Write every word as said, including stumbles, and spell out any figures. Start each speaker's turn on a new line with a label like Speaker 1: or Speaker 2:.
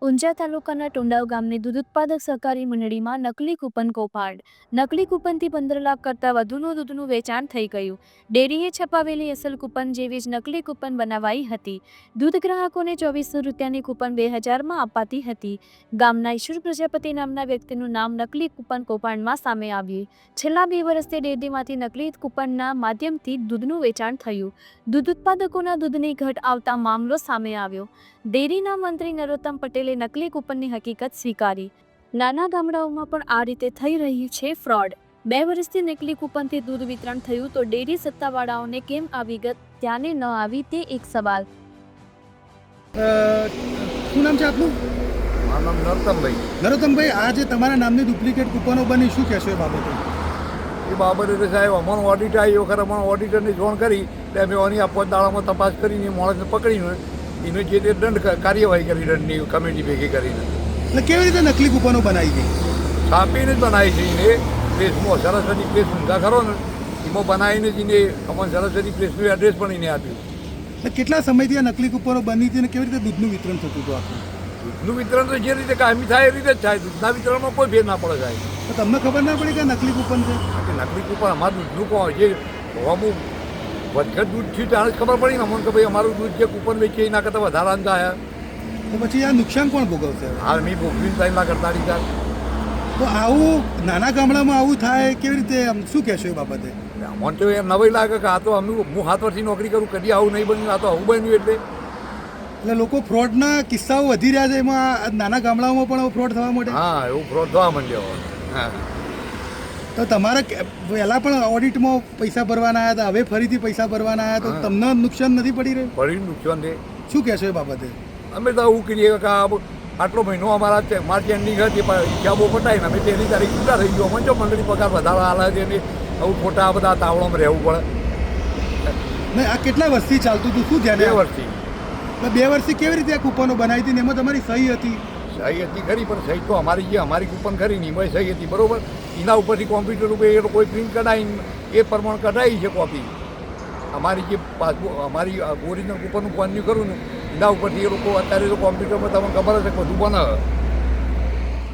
Speaker 1: ઊંઝા તાલુકાના ટુંડાવ ગામની દૂધ ઉત્પાદક સહકારી મંડળીમાં નકલી કૂપન કૌભાંડ. નકલી કૂપનથી પંદર લાખ કરતાં વધુનું દૂધનું વેચાણ થઈ ગયું. ડેરીએ છપાવેલી અસલ કૂપન જેવી જ નકલી કૂપન બનાવાઈ હતી. દૂધ ગ્રાહકોને ચોવીસો રૂપિયાની કૂપન બે હજારમાં અપાતી હતી. ગામના ઈશ્વર પ્રજાપતિ નામના વ્યક્તિનું નામ નકલી કૂપન કૌભાંડમાં સામે આવ્યું. છેલ્લા બે વર્ષથી ડેરીમાંથી નકલી કૂપનના માધ્યમથી દૂધનું વેચાણ થયું. દૂધ ઉત્પાદકોના દૂધની ઘટ આવતા મામલો સામે આવ્યો. ડેરીના મંત્રી નરોત્તમ પટેલે નકલી કૂપનની હકીકત સ્વીકારી. નાના ગામડાઓમાં પણ આ રીતે થઈ રહી છે ફ્રોડ. બે વર્ષથી નકલી કૂપનથી દૂધ વિતરણ થયું તો ડેરી સત્તાવાળાઓને કેમ આ વિગત ધ્યાને ન આવી તે એક સવાલ.
Speaker 2: શું નામ છે આપનું?
Speaker 3: મારું નામ નરોત્તમભાઈ.
Speaker 2: નરોત્તમભાઈ, આ જે તમારા નામની ડુપ્લિકેટ કૂપનો બની, શું કહેશો એ બાબતે?
Speaker 3: એ બાબતે તો સાહેબ અમારું ઓડિટ આવી એ વખત અમારા ઓડિટરને જોણ કરી એટલે અમે એની આપવા દાડામાં તપાસ કરીને માણસને પકડીને એને જે તે દંડ કાર્યવાહી કરી દંડની કમિટી ભેગી કરીને.
Speaker 2: એટલે કેવી રીતે નકલી કૂપનો બનાવી ગઈ?
Speaker 3: છાપીને જ બનાવી છે એને પ્રેસમાં સરસ્વતી પ્રેસ ઊંઘા ખરો ને એમાં બનાવીને જ એને અમારે સરસ્વતી પ્રેસનું એડ્રેસ પણ એને આપ્યું.
Speaker 2: એટલે કેટલા સમયથી આ નકલી કૂપનો બની હતી અને કેવી રીતે દૂધનું વિતરણ થતું હતું આખું?
Speaker 3: દૂધનું વિતરણ તો જે રીતે કાયમી થાય એ રીતે જ થાય. દૂધના વિતરણમાં કોઈ ભેદ ના પડે સાહેબ.
Speaker 2: તો તમને ખબર ના પડી કે આ નકલી કૂપન છે?
Speaker 3: કે નકલી કૂપન અમારું દૂધનું કોણ જે અમુક વધઘટ દૂધ થયું ત્યારે જ ખબર પડી ને અમને કે ભાઈ અમારું દૂધ જે કૂપન વેચીએ એના કરતાં વધારા અંત આવ્યા.
Speaker 2: તો પછી આ નુકસાન કોણ ભોગવશે?
Speaker 3: હાલ મેં ભોગવીને ત્રણ લાખ અડતાલીસ હજાર.
Speaker 2: તો આવું નાના ગામડામાં આવું થાય કેવી રીતે? આમ શું કહેશો એ બાબતે?
Speaker 3: મને તો એમ નવાઈ લાગે કે આ તો અમે હું સાત વર્ષથી નોકરી કરું, કદી આવું નહીં બન્યું, આ તો આવું બન્યું. એટલે
Speaker 2: એટલે લોકો ફ્રોડના કિસ્સાઓ વધી રહ્યા છે, એમાં નાના ગામડાઓમાં પણ હવે ફ્રોડ થવા માંડે.
Speaker 3: હા, એવું ફ્રોડ થવા માંડ્યો. હા,
Speaker 2: તો તમારે પહેલાં પણ ઓડિટમાં પૈસા ભરવાના આવ્યા હતા, હવે ફરીથી પૈસા ભરવાના આવ્યા, તો તમને નુકસાન નથી પડી રહ્યું?
Speaker 3: પડી નુકસાન છે.
Speaker 2: શું કહેશો એ બાબતે?
Speaker 3: અમે તો એવું કરીએ કે આ આટલો મહિનો અમારા માર્ચ એન્ડિંગ હતી પણ હિસાબો પટાવીને અમે તેની તારીખ છૂટા થઈ ગયો. અમને જો મંડળી પગાર વધારે હાલે છે ને આવું ખોટા આ બધા તાવડામાં રહેવું પડે.
Speaker 2: નહીં, આ કેટલા વર્ષથી ચાલતું હતું? શું ધ્યાન?
Speaker 3: બે વર્ષથી.
Speaker 2: એટલે બે વર્ષથી કેવી રીતે આ કૂપનો બનાવી હતી ને એમાં તમારી સહી હતી?
Speaker 3: સહી હતી ખરી, પણ સહી તો અમારી જે અમારી કૂપન ખરી ને એમાં સહી હતી બરાબર. એના ઉપરથી કોમ્પ્યુટર ઉપર એ કોઈ પ્રિન્ટ કઢાવીને એ પ્રમાણે કઢાવી છે કોપી. અમારી જે પાસબુક અમારી ઓરિજિનલ કૂપનનું કોન્યુ કરું ને એના ઉપરથી એ લોકો અત્યારે તો કોમ્પ્યુટરમાં તમને ખબર હશે બધું બનાવે.